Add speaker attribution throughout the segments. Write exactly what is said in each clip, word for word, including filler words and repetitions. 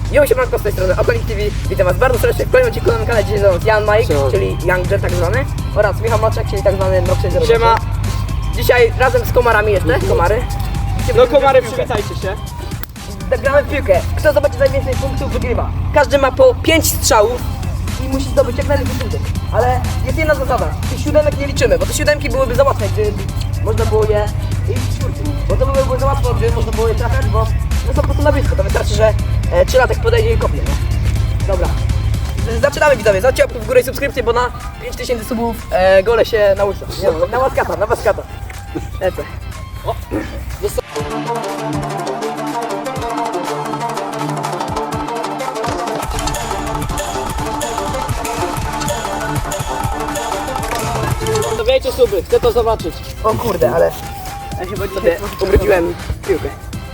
Speaker 1: Jo, siemanko, z tej strony Okonik T V. Witam was bardzo serdecznie w kolejnym odcinku na kanale. Dzisiaj jest Jan Mike,
Speaker 2: Siema.
Speaker 1: czyli Young Jet tak zwany, oraz Michał Maczek, czyli tak zwany Mroczny Zero.
Speaker 2: Siema.
Speaker 1: Dzisiaj razem z komarami jeszcze, komary.
Speaker 2: No komary, przywitajcie się.
Speaker 1: Gramy w piłkę. Kto zobaczy najwięcej punktów, wygrywa. Każdy ma po pięć strzałów i musi zdobyć jak najlepszy punkty. Ale jest jedna zasada. Tych siódemek nie liczymy, bo te siódemki byłyby za łatwe, gdy można było je i czwórki. Bo to byłoby za łatwo, gdy można było je trafiać, bo no są po prostu na blisko. To wystarczy, że e, trzylatek podejdzie i kopnie. No. Dobra. Zaczynamy, widzowie. Zobaczcie łapkę w górę i subskrypcję, bo na pięć tysięcy subów e, gole się na łysa. Nie no, na łaskata, na łaskata. Lecę. O.
Speaker 2: Stawiajcie suby, chcę to zobaczyć.
Speaker 1: O kurde, ale ja chyba sobie ubrudziłem piłkę.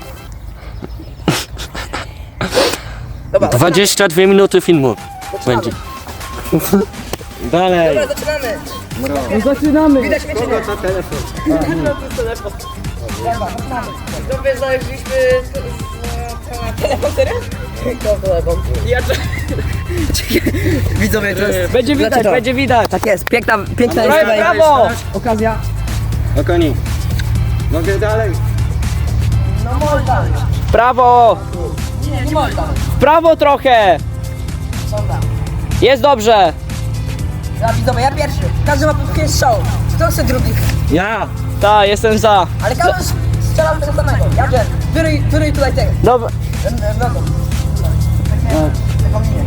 Speaker 1: Dobra,
Speaker 3: dwadzieścia dwie minuty filmu
Speaker 1: zaczynamy.
Speaker 3: będzie. Dalej.
Speaker 1: Dobra, zaczynamy.
Speaker 2: Zaczynamy.
Speaker 1: Widać mnie czy nie?
Speaker 2: To telefon.
Speaker 1: Dobra, zaczynamy. Widzowie, znaleźliśmy telefon, serio? To telefon.
Speaker 2: Ja...
Speaker 1: Widzowie, to jest...
Speaker 2: Będzie widać,
Speaker 1: Znaczy to.
Speaker 2: będzie widać.
Speaker 1: Tak jest, piękna, piękna jest
Speaker 2: Prawo,
Speaker 1: tutaj
Speaker 2: prawo.
Speaker 1: okazja.
Speaker 3: Okoni. Mogę dalej.
Speaker 1: No może dalej.
Speaker 2: Prawo,
Speaker 1: Nie, nie może dalej.
Speaker 2: w prawo trochę.
Speaker 1: Dobra.
Speaker 2: Jest dobrze.
Speaker 1: Dobra, widzowie, ja pierwszy. Każdy ma po pięć strzałów. Kto chce drugi?
Speaker 3: Ja.
Speaker 2: Tak, jestem za.
Speaker 1: Ale każdy strzela tego samego. Ja wiem. Wyryj, wyryj tutaj tego.
Speaker 2: Dobra.
Speaker 1: Ten, ten, nogą. Takie, taką linię.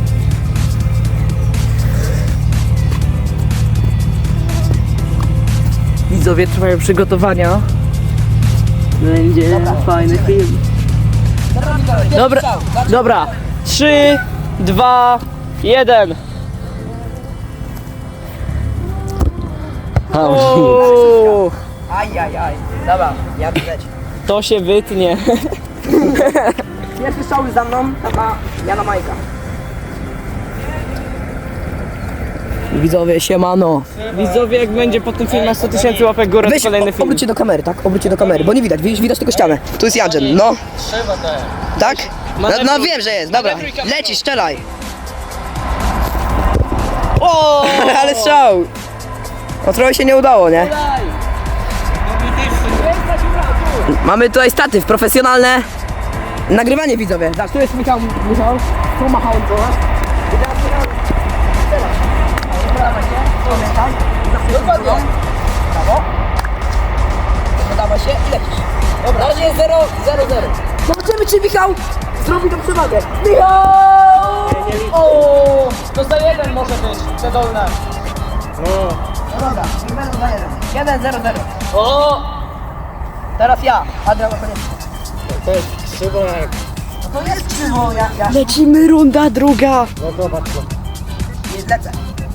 Speaker 2: Widzowie trwają przygotowania. Będzie
Speaker 1: Dobra,
Speaker 2: fajny
Speaker 1: lecimy.
Speaker 2: film.
Speaker 1: Dobra, widzowie, pierwszy
Speaker 2: Dobra,
Speaker 1: strzał. Zacznij.
Speaker 2: dobra. Trzy, dwa, jeden. Uuu,
Speaker 1: Aj, aj, aj. Dobra, ja widać.
Speaker 2: to się wytnie.
Speaker 1: Pierwszy strzał za mną, tam ma Jana Majka.
Speaker 2: Widzowie, siemano. Widzowie, jak będzie po tym filmie sto tysięcy łapek górę, to
Speaker 1: Weź,
Speaker 2: kolejny
Speaker 1: o-
Speaker 2: film.
Speaker 1: obróć się do kamery, tak? Obróć się do kamery, bo nie widać, widać, widać tylko ścianę. Tu jest Jadżen, no. Tak? No, no wiem, że jest, dobra. Lecisz, strzelaj.
Speaker 2: O!
Speaker 1: Ale strzał. No trochę się nie udało, nie? Mamy tutaj statyw profesjonalne. Nagrywanie, widzowie. Zobacz, tu jest Michał, Michał. Tu machałem do nas. I teraz Michał strzela. O, podawaj się, pamiętaj. Dokładnie. Brawo. Podawaj się i lecisz. Dobra, na razie jest zero zero. Zobaczymy, czy Michał zrobi tą przewagę. Michał!
Speaker 2: O! To za jeden może być, te dolne.
Speaker 1: No dobra, nie będą za jeden. jeden zero zero.
Speaker 2: O!
Speaker 1: Teraz ja, Adrian Okoniecki.
Speaker 3: To jest szybak.
Speaker 1: No to jest krzywo, ja, ja
Speaker 2: Lecimy, runda druga.
Speaker 3: No zobacz to.
Speaker 1: nie zlecę.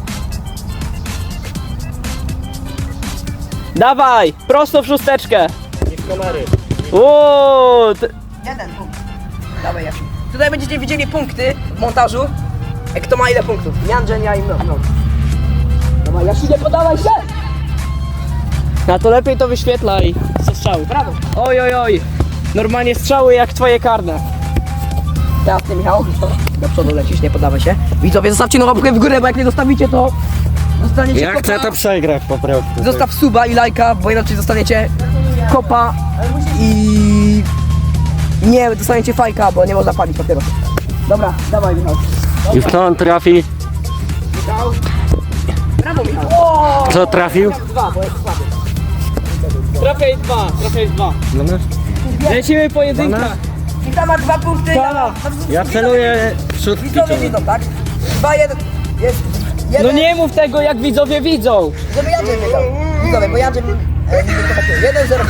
Speaker 2: Dawaj, prosto w szósteczkę.
Speaker 3: I w kamery.
Speaker 2: O! t-
Speaker 1: Jeden punkt. Dawaj, Jasiu. Tutaj będziecie widzieli punkty w montażu. Jak kto ma ile punktów. Janżen, ja i no. no. Dawaj, Jasiu, nie podawaj się!
Speaker 2: Na to lepiej to wyświetlaj. Co strzały.
Speaker 1: Brawo.
Speaker 2: Oj, oj, oj. Normalnie strzały jak twoje karne.
Speaker 1: Teraz ty, Michał. Do przodu lecisz, nie podawaj się. Widzowie, zostawcie no łapkę w górę, bo jak nie zostawicie, to zostaniecie
Speaker 3: Ja
Speaker 1: kopa.
Speaker 3: chcę to przegrać po prostu.
Speaker 1: Zostaw suba i lajka, bo inaczej zostaniecie kopa i nie dostaniecie fajka, bo nie można palić papierosów. Dobra, dawaj, Michał.
Speaker 3: I w kto on trafi?
Speaker 1: Michał. Brawo, Michał.
Speaker 3: Kto trafił?
Speaker 1: Dwa, bo jest słaby.
Speaker 2: Trafiaj dwa, trafiaj dwa.
Speaker 3: No, no.
Speaker 2: Lecimy pojedynka.
Speaker 1: Michał ma dwa punkty.
Speaker 2: Tak.
Speaker 3: Ja celuję w szóstki.
Speaker 1: Widzowie widzą, tak? Dwa, jeden. Jest jeden.
Speaker 2: No nie mów tego jak widzowie widzą.
Speaker 1: Żeby Jadziem wiedział. Widzowie, bo Jadziem... E, nie wiem, to takie. jeden zero dwa.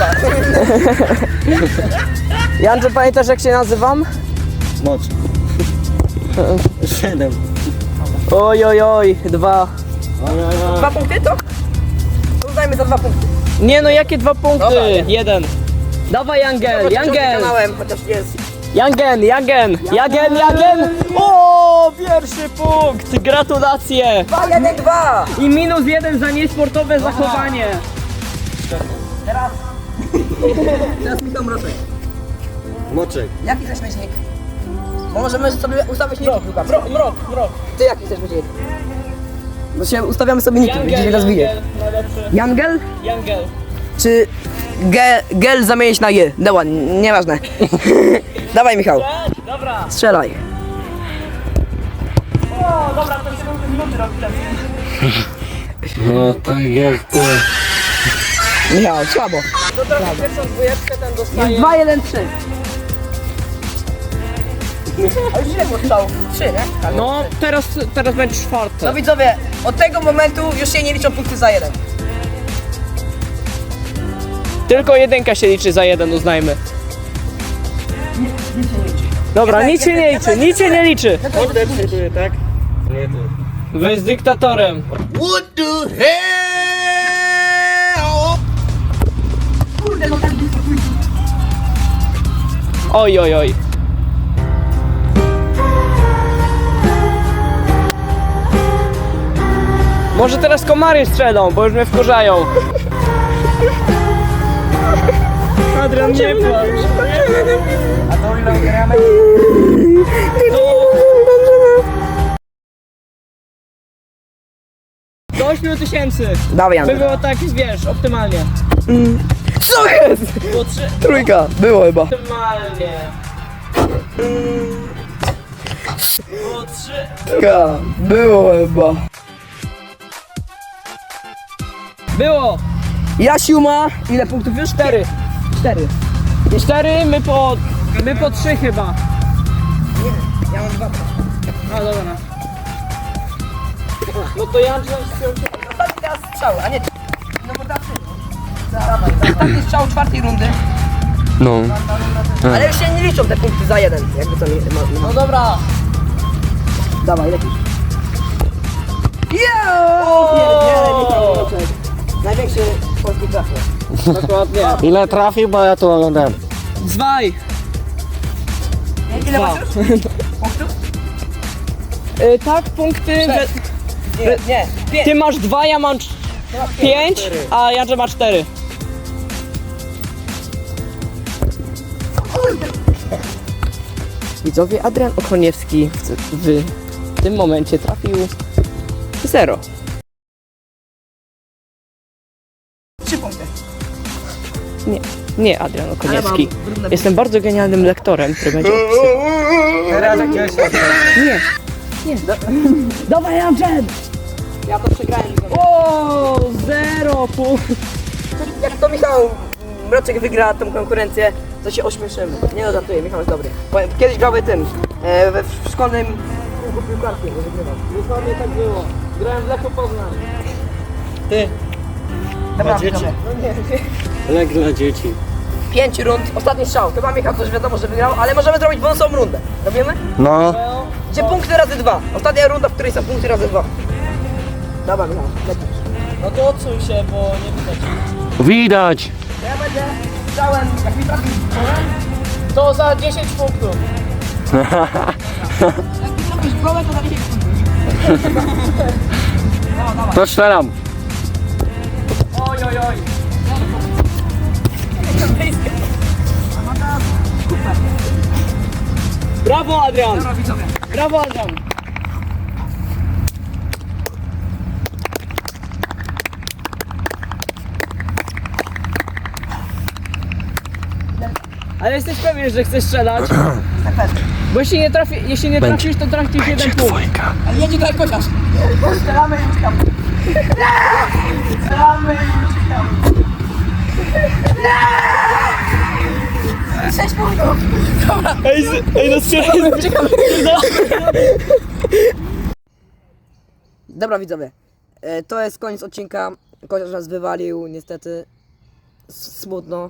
Speaker 2: Janże, pamiętasz jak się nazywam?
Speaker 3: Moc. Siedem.
Speaker 2: Oj, oj, oj, dwa.
Speaker 3: Oj, oj, oj.
Speaker 1: Dwa punkty, to? To uznajmy za dwa punkty.
Speaker 2: Nie no, jakie dwa punkty?
Speaker 1: Dobra, nie.
Speaker 2: Jeden. Dawaj Jangel,
Speaker 1: Zobaczcie,
Speaker 2: Jangel.
Speaker 1: kanałem, chociaż jest.
Speaker 2: Jangen, Jangen, Jagen, Jagen! O, pierwszy punkt! Gratulacje!
Speaker 1: dwa, jeden, dwa.
Speaker 2: I minus jeden za niesportowe zachowanie.
Speaker 1: Teraz... Teraz Michał Mroczek.
Speaker 3: Moczek.
Speaker 1: Jaki zaśmiesznik? Bo możemy sobie ustawić niki piłka.
Speaker 2: Mrok, mrok, mrok.
Speaker 1: Ty jaki chcesz być? Bo się ustawiamy sobie niki, gdzie się rozwinie.
Speaker 2: najlepszy.
Speaker 1: Jangel?
Speaker 2: Jangel.
Speaker 1: Czy ge, gel zamienić na je? Dobra, nieważne. Dawaj Michał,
Speaker 2: Dobra.
Speaker 1: strzelaj.
Speaker 2: O, dobra, to się będzie minuty robić.
Speaker 3: No tak jest.
Speaker 1: Michał, słabo.
Speaker 2: To teraz pierwszą dwójeczkę ten dostaje.
Speaker 1: dwa, jeden, trzy. A już ile było strzałów? trzy, nie? Tak.
Speaker 2: No, teraz, teraz będzie czwarte.
Speaker 1: No widzowie, od tego momentu już się nie liczą punkty za jeden.
Speaker 2: Tylko jedynka się liczy za jeden, uznajmy. Dobra, nic się nie liczy, nic się nie liczy.
Speaker 3: Order przejdzie, tak? Nie tu.
Speaker 2: Wy z dyktatorem.
Speaker 1: Kurde, no tak blisko.
Speaker 2: Oj, oj, oj. Może teraz komary strzelą, bo już mnie wkurzają. Adrian, nie płacz.
Speaker 1: A to ile gramy?
Speaker 2: Do ośmiu tysięcy.
Speaker 1: Dawaj
Speaker 2: By
Speaker 1: Andrzej.
Speaker 2: było tak, wiesz, optymalnie.
Speaker 1: Co jest?
Speaker 2: Było trzy...
Speaker 1: Trójka, było chyba.
Speaker 2: Optymalnie. Było trzy...
Speaker 1: Trójka, było chyba.
Speaker 2: Było!
Speaker 1: Jasiu ma ile punktów już?
Speaker 2: Cztery.
Speaker 1: Cztery.
Speaker 2: Cztery, my po... My po trzy chyba.
Speaker 1: Nie, ja mam dwa.
Speaker 2: No dobra. No to ja Andrzej
Speaker 1: Ostatni teraz strzał, a nie... No bo tak. Dawaj, ostatni strzał czwartej rundy.
Speaker 3: No.
Speaker 1: Ale już się nie liczą te punkty za jeden, jakby to nie... Ma,
Speaker 2: No
Speaker 1: ma.
Speaker 2: dobra.
Speaker 1: Dawaj, lecisz. Yo! Pierdziele, Michał Mroczek. Największy polski trafił.
Speaker 2: Dokładnie.
Speaker 3: Ile trafił, bo ja tu oglądałem.
Speaker 2: Zwaj.
Speaker 1: Ile
Speaker 2: Dwa.
Speaker 1: masz już? Punktów?
Speaker 2: Y, tak, punkty...
Speaker 1: Sześć. Nie, nie, pięć.
Speaker 2: Ty masz dwa, ja mam cz-
Speaker 1: Ty masz
Speaker 2: pięć, a Jandrze ma cztery. Widzowie, Adrian Okoniewski w, w, w tym momencie trafił zero.
Speaker 1: Trzy punkty.
Speaker 2: Nie, nie Adrian Okoniewski.
Speaker 1: Ale mam brudne-
Speaker 2: Jestem bardzo genialnym lektorem, który będzie...
Speaker 3: Teraz jakiegoś
Speaker 2: Nie,
Speaker 1: Dawaj, Andrzej! Ja to przegrałem.
Speaker 2: o, zero punktów.
Speaker 1: Jak to Michał Mroczek wygra tą konkurencję, to się ośmieszymy. Nie no, żartuję, Michał jest dobry. Powiem, kiedyś grałby tym, e, we w szkolnym kółku piłkarskim, że wygrywał.
Speaker 2: Dokładnie tak było. Grałem w Lechu Poznań.
Speaker 3: Ty.
Speaker 1: Dobra,
Speaker 3: dzieci.
Speaker 1: widzowie.
Speaker 3: Lek dla dzieci.
Speaker 1: Pięć rund, ostatni strzał. Chyba Michał też wiadomo, że wygrał, ale możemy zrobić bonusową rundę. Robimy?
Speaker 3: No.
Speaker 1: Gdzie punkty razy dwa. Ostatnia runda, w której są punkty razy dwa. Dobra, Michał, lecisz.
Speaker 2: No to odsuń się, bo nie widać.
Speaker 3: Widać.
Speaker 1: Ja będę strzałem, jak mi trafi strzałem,
Speaker 2: To za dziesięć punktów.
Speaker 1: jak mi trafisz w głowę, to za dziesięć punktów. No, dawaj.
Speaker 3: To strzelam.
Speaker 2: Oj, oj, oj. Brawo, Adrian!
Speaker 1: Dobra, widzowie.
Speaker 2: Brawo, Adrian! Ale jesteś pewien, że chcesz strzelać? Bo jeśli nie, trafi, jeśli nie trafisz, to tracisz jeden punkt.
Speaker 1: Ale jedzie tutaj kosiarz. Strzelamy i uciekamy. Strzelamy i uciekamy. Sześć punktów. Dobra.
Speaker 2: Ej, z, ej no strzelaj,
Speaker 1: Uciekamy. Dobra widzowie, e, to jest koniec odcinka. Kosiarz nas wywalił, niestety. S- Smutno.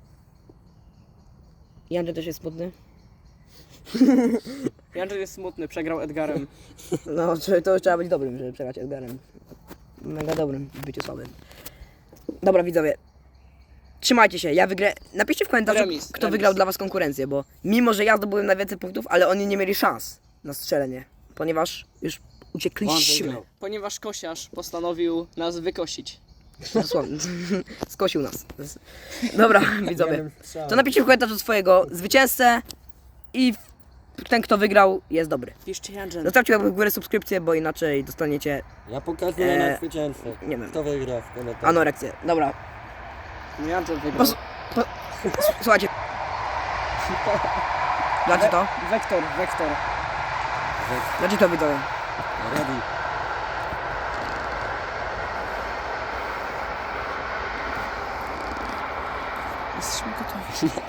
Speaker 1: Janczek też jest smutny.
Speaker 2: Jandrzej jest smutny, przegrał Edgarem.
Speaker 1: No, czy- to już trzeba być dobrym, żeby przegrać Edgarem. Mega dobrym w byciu słabym. Dobra widzowie, trzymajcie się, ja wygrę. Napiszcie w komentarzu,
Speaker 2: Remis,
Speaker 1: kto
Speaker 2: remis.
Speaker 1: wygrał dla was konkurencję, bo mimo, że ja zdobyłem najwięcej punktów, ale oni nie mieli szans na strzelenie, ponieważ już uciekliśmy.
Speaker 2: Ponieważ kosiarz postanowił nas wykosić.
Speaker 1: Dosłownie. Skosił nas. Dobra, widzowie. To napiszcie w komentarzu swojego zwycięzcę i ten kto wygrał jest dobry.
Speaker 2: Piszcie Janżen.
Speaker 1: Zostawcie łapkę w górę, subskrypcję, bo inaczej dostaniecie
Speaker 3: Ja pokazuję
Speaker 1: Eee,
Speaker 3: na zwycięzcę.
Speaker 1: nie wiem.
Speaker 3: Kto wygra w komentarzach.
Speaker 1: anoreksję. Dobra,
Speaker 2: Janżen wygrał.
Speaker 1: Pos- po, s- słuchajcie. Dlaczego to?
Speaker 2: Wektor, wektor.
Speaker 1: Dlaczego to widzowie?
Speaker 3: Ready.
Speaker 2: Jesteśmy gotowi.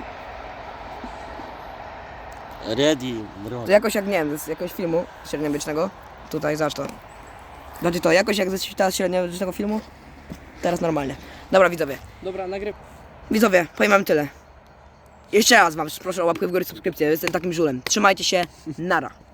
Speaker 3: Ready, bro.
Speaker 1: To jakoś jak, nie wiem, z jakiegoś filmu średniowiecznego. Tutaj, zacz to. Znaczy to, jakoś jak ze świata średniowiecznego filmu. Teraz normalnie. Dobra widzowie.
Speaker 2: Dobra, nagryw.
Speaker 1: Widzowie, powiem wam tyle. Jeszcze raz wam proszę o łapkę w górę, subskrypcję. Jestem takim żulem. Trzymajcie się. Nara.